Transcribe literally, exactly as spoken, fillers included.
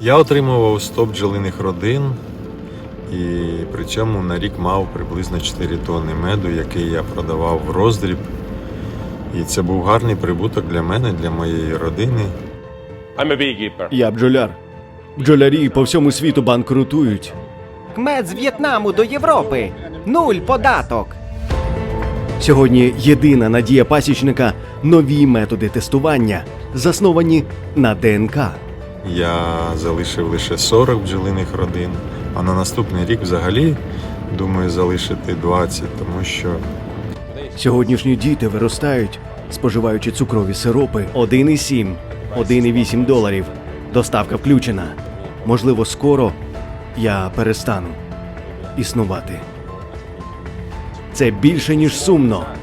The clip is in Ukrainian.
Я отримував сто бджолиних родин, і при цьому на рік мав приблизно чотири тонни меду, який я продавав в роздріб. І це був гарний прибуток для мене, для моєї родини. I'm a beekeeper. Я бджоляр. Бджолярі по всьому світу банкрутують. Мед з В'єтнаму до Європи. Нуль податок. Сьогодні єдина надія пасічника – нові методи тестування, засновані на ДНК. Я залишив лише сорок бджолиних родин, а на наступний рік взагалі думаю залишити двадцять, тому що Сьогоднішні діти виростають, споживаючи цукрові сиропи один і сім, один і вісім доларів. Доставка включена. Можливо, скоро я перестану існувати. Це більше, ніж сумно.